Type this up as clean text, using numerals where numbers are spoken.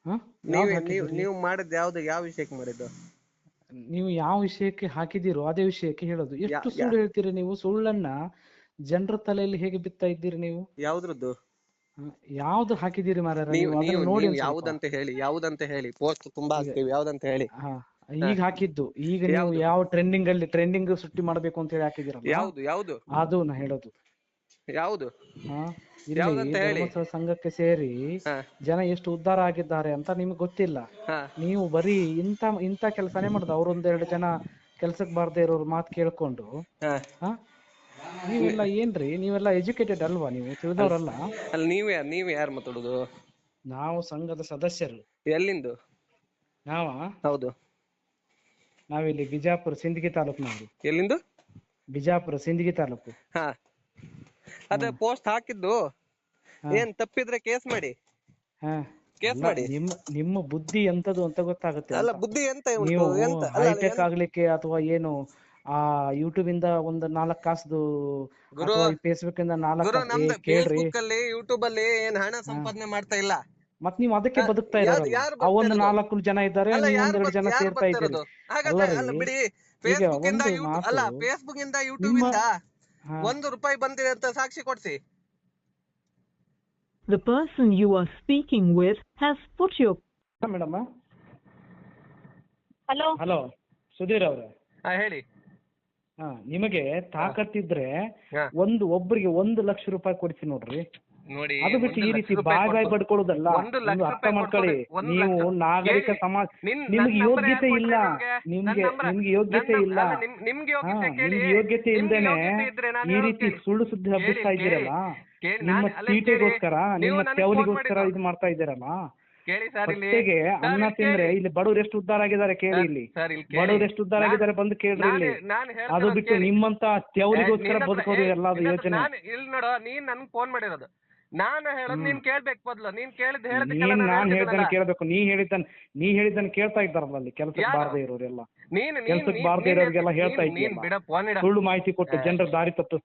ಹ ನೀವ್ ಯಾವ್ದು ನೀವ್ ಹಾಕಿದ್ದೀರಿ? ನೀವು ಮಾಡಿದ್ ಯಾವ್ದು, ಯಾವ ವಿಷಯಕ್ಕೆ ಮಾಡಿದ್ದು? ನೀವು ಯಾವ ವಿಷಯಕ್ಕೆ ಹಾಕಿದ್ದೀರೋ ಅದೇ ವಿಷಯಕ್ಕೆ ಹೇಳೋದು. ಯಾ ಎಷ್ಟು ಯಾ ಸುಳ್ಳು ಹೇಳ್ತೀರಿ ನೀವು? ಸುಳ್ಳನ್ನ ಜನರ ತಲೆಯಲ್ಲಿ ಹೇಗೆ ಬಿತ್ತಾ ಇದ್ದೀರಿ ನೀವು? ಯಾವ್ದ್ರದ್ದು? ಹ, ಯಾವ್ದು ಹಾಕಿದ್ದೀರಿ ಮಾರಾಯ ನೀವು ನೀವು? ಅದನ್ನ ನೀವು ನೋಡಿ ನೀವು ಒಂದ್ ಸ್ವಲ್ಪ. ಯಾವ್ದಂತ ಹೇಳಿ, ಯಾವ್ದಂತ ಹೇಳಿ, ಪೋಸ್ಟ್ ತುಂಬಾ ಈಗ ಹಾಕ್ತಿವಿ, ಯಾವ್ದಂತ ಹೇಳಿ. ಹಾ, ಹ, ಈಗ ಹಾಕಿದ್ದು. ಈಗ ನೀವು ಯಾವ್ದು ಯಾವ ಟ್ರೆಂಡಿಂಗ್ ಸುಟ್ಟಿ ಮಾಡ್ಬೇಕು ಅಂತ ಹೇಳಿ ಹಾಕಿದಿರಲ್ಲ, ಯಾವ್ದು ಯಾವ್ದು ಅದು ನಾ ಹೇಳೋದು. ಯಾವ್ದು ಹಾ, ಇಲ್ಲಿ ಯಾವ್ದಂತ ಹೇಳಿ. ಧರ್ಮಸ್ಥಳ ಸಂಘಕ್ಕೆ ಸೇರಿ ಹ ಜನ ಎಷ್ಟು ಉದ್ಧಾರ ಆಗಿದ್ದಾರೆ ಅಂತ ನಿಮ್ಗೆ ಗೊತ್ತಿಲ್ಲ. ಹ ನೀವು ಬರೀ ಇಂಥ ಕೆಲಸನೇ ಮಾಡುದು. ಅವ್ರೊಂದೆರಡು ಜನ ಕೆಲ್ಸಕ್ಕೆ ಬಾರ್ದೇ ಇರೋರು ಮಾತು ಕೇಳ್ಕೊಂಡು. ಹ ಹಾ, ನೀವೆಲ್ಲ ಏನ್ರಿ? ನೀವೆಲ್ಲ ಎಜುಕೇಟೆಡ್ ಅಲ್ವಾ? ನೀವು ಅಲ್ ತಿಳಿದವರಲ್ಲ. ಅಲ್ಲಿ ನೀವ್ ಯಾರು ಮಾತಾಡುದು? ನಾವು ಸಂಘದ ಸದಸ್ಯರು. ಎಲ್ಲಿಂದು? ನಾವ ಹೌದು. ನಾವಿಲ್ಲಿ ಬಿಜಾಪುರ ಸಿಂದಗಿ ತಾಲೂಕ್ನವರು. ಎಲ್ಲಿಂದು? ಬಿಜಾಪುರ ಸಿಂದಗಿ ತಾಲೂಕು. ಹಾ, ಹಾ ಅದೇ ಪೋಸ್ಟ್ ಹಾಕಿದ್ದು ಹಾ ಏನ್ ತಪ್ಪಿದ್ರೆ ಕೇಸ್ ಮಾಡಿ, ಹಾ. ಕೇಸ್ ಅಲ್ಲ, ಮಾಡಿ. ನಿಮ್ಮ ಬುದ್ಧಿ ಎಂತದು ಅಂತ ಗೊತ್ತಾಗುತ್ತೆ ಅಲ್ಲ, ಅಂತ. ಬುದ್ಧಿ ಎಂತ ಉಂಟು? ನೀವು ಎಂತ ಅಲ್ಲ ಅಲ್ಲ ಹೈಟೆಕ್ ಆಗ್ಲಿಕ್ಕೆ ಅಥವಾ ಏನು ಆ ಯೂಟ್ಯೂಬ್ ಇಂದ ಒಂದು 4 ಕಾಸದು ಗುರು ಅಥವಾ ಈ ಫೇಸ್ಬುಕ್ ಇಂದ 4 ಗುರು ಕಾಸು ನಮ್ದು ಕೇಳ್ರಿ. ಫೇಸ್ಬುಕ್ ಅಲ್ಲಿ, ಯೂಟ್ಯೂಬ್ ಅಲ್ಲಿ ಏನ್ ಹಣ ಹಾ, ಸಂಪಾದನೆ ಮಾಡ್ತಾ ಇಲ್ಲ. ಮತ್ ನೀವು ಅದಕ್ಕೆ ಬದುಕ್ತಾ ಇರೋರಲ್ಲ. ಯಾರು ಆ ಬರ್ತಾ ಒಂದು ಇರೋದು? 4 ಜನ ಇದ್ದಾರೆ, ಅಲ್ಲ, ನೀವು ಒಂದೆರಡು ಜನ ಯಾರು ಸೇರ್ತಾ ಬರ್ತಾ ಇದ್ದೀರಿ. ಇರೋದು? ಹಾಗಾದ್ರೆ ಅಲ್ಲರಿ, ಅಲ್ಲ ಬಿಡಿ. ಈಗ ಫೇಸ್ಬುಕ್ ಇಂದ ಒಂದು ಯೂಟ್ಯೂಬ್ ಮಾತು ಅಲ್ಲ, ಫೇಸ್ಬುಕ್ ಇಂದ ಯೂಟ್ಯೂಬ್ ನಿಮ್ಮ ಇಂದ ಹಾ 1 ರೂಪಾಯಿ ಬಂದಿದೆ ಅಂತ ಸಾಕ್ಷಿ ಕೊಡ್ಸಿ. The person you are speaking with has put your... madam. Hello. Hello, Sudheer ಅವ್ರೆ. ಹಾ, ಹೇಳಿ. ಹಾ, ನಿಮಗೆ ತಾಕತ್ತಿದ್ರೆ ಹಾ, ಒಬ್ಬರಿಗೆ 1 ಲಕ್ಷ ರೂಪಾಯಿ ಕೊಡಿಸಿ ನೋಡ್ರಿ. ನೋಡಿ, ಅದು ಬಿಟ್ಟು 1 ಈ ಲಕ್ಷ ರೀತಿ ರೂಪಾಯಿ ಬಾಯ್ ಬಡ್ಕೊಳ್ಳೋದಲ್ಲ. 1 ಲಕ್ಷ ನೀವು ಅರ್ಥ ರೂಪಾಯಿ ಮಾಡ್ಕೊಳ್ಳಿ. 1 ನೀವು ಲಕ್ಷ ನಾಗರಿಕ ಕೇಳಿ. ಸಮಾಜ, ನನ್ ನಿಮ್ಗೆ ನಂಬರ್ ಯಾರು ಯೋಗ್ಯತೆ ಇಲ್ಲ. ಕೊಟ್ರೆ ನಿಮ್ಗೆ? ನಿಮ್ಗೆ ಯೋಗ್ಯತೆ ಇಲ್ಲ. ಅಲ್ಲ, ನಿಮ್ಗೆ ಹಾ, ಯೋಗ್ಯತೆ ಕೇಳಿ. ನಿಮ್ಗೆ ಯೋಗ್ಯತೆ ನಿಮ್ಗೆ ಇಲ್ದೇನೆ ಯೋಗ್ಯತೆ ಇದ್ರೆ ನಾನು ಈ ಹೇಳೋದು ರೀತಿ ಕೇಳಿ. ಸುಳ್ಳು ಸುದ್ದಿ ಕೇಳಿ ಹಬ್ಬಿಸ್ತಾ ಕೇಳಿ ಇದ್ದೀರಲ್ಲ. ಕೇಳಿ. ನಿಮ್ಮ ನಾನು ಅಲ್ಲ, ಕೇಳಿ. ತೀಟೆಗೋಸ್ಕರ, ನೀವು ನಿಮ್ಮ ನನಗೆ ಫೋನ್ ತೆವಲಿಗೋಸ್ಕರ ಮಾಡಿದ್ದು ಇದು ಮಾಡ್ತಾ ಇದ್ದೀರಲ್ಲ. ಕೇಳಿ ಸರ್. ಇಲ್ಲಿ ಹೊಟ್ಟೆಗೆ ಸರ್, ಅನ್ನ ಇಲ್ಲಿ ತಿಂದ್ರೆ ಕೇಳಿ ಇಲ್ಲಿ ಬಡವ್ರು ಎಷ್ಟು ಉದ್ಧಾರ ಆಗಿದ್ದಾರೆ ಕೇಳಿ. ಸರ್. ಇಲ್ಲಿ ಸರ್, ಇಲ್ಲಿ ಕೇಳಿ. ಬಡವ್ರು ಎಷ್ಟು ಉದ್ಧಾರ ಆಗಿದ್ದಾರೆ ಬಂದು ಕೇಳ್ರಿ ಇಲ್ಲಿ. ನಾನು ಅದು ಹೇಳ್ತಿರೋದು ಬಿಟ್ಟು ಕೇಳಿ. ನಿಮ್ಮಂತ ತೆವಲಿಗೋಸ್ಕರ ಬದುಕೋದು ಎಲ್ಲ ಅದು ಯೋಚನೆ. ನಾನು ಇಲ್ಲಿ ನೋಡೋ, ನೀನ್ ನನ್ಗೆ ಫೋನ್ ಮಾಡಿರೋದು. ನಾನು ಹೇಳೋದು ನೀನ್ ಕೇಳ್ಬೇಕು. ಬದ್ಲು ನೀನ್ ಕೇಳಿದ್ ಹೇಳದಕ್ಕೆಲ್ಲ ನಾನು ನಾನ್ ಹೇಳ್ದನ್ನ ಹೇಳ್ತಿದ್ದೀನಲ್ಲ. ಕೇಳ್ಬೇಕು. ನೀ ಹೇಳಿದ್ದನ್ನ ಕೇಳ್ತಾ ಇದ್ದಾರಲ್ಲ ಅಲ್ಲಿ ಕೆಲ್ಸಕ್ಕೆ ಯಾರು? ಬಾರದೇ ಇರೋರೆಲ್ಲ. ನೀನ್ ಕೆಲ್ಸಕ್ಕೆ ಬಾರದೇ ಇರೋರಿಗೆಲ್ಲ ಹೇಳ್ತಾ ಇದ್ದೀಯಲ್ಲ, ಬಿಡ ಫೋನ್ ಇಡ. ಸುಳ್ಳು ಮಾಹಿತಿ ಕೊಟ್ಟು ಜನರ ದಾರಿ ತಪ್ಪಿಸ್ತಾ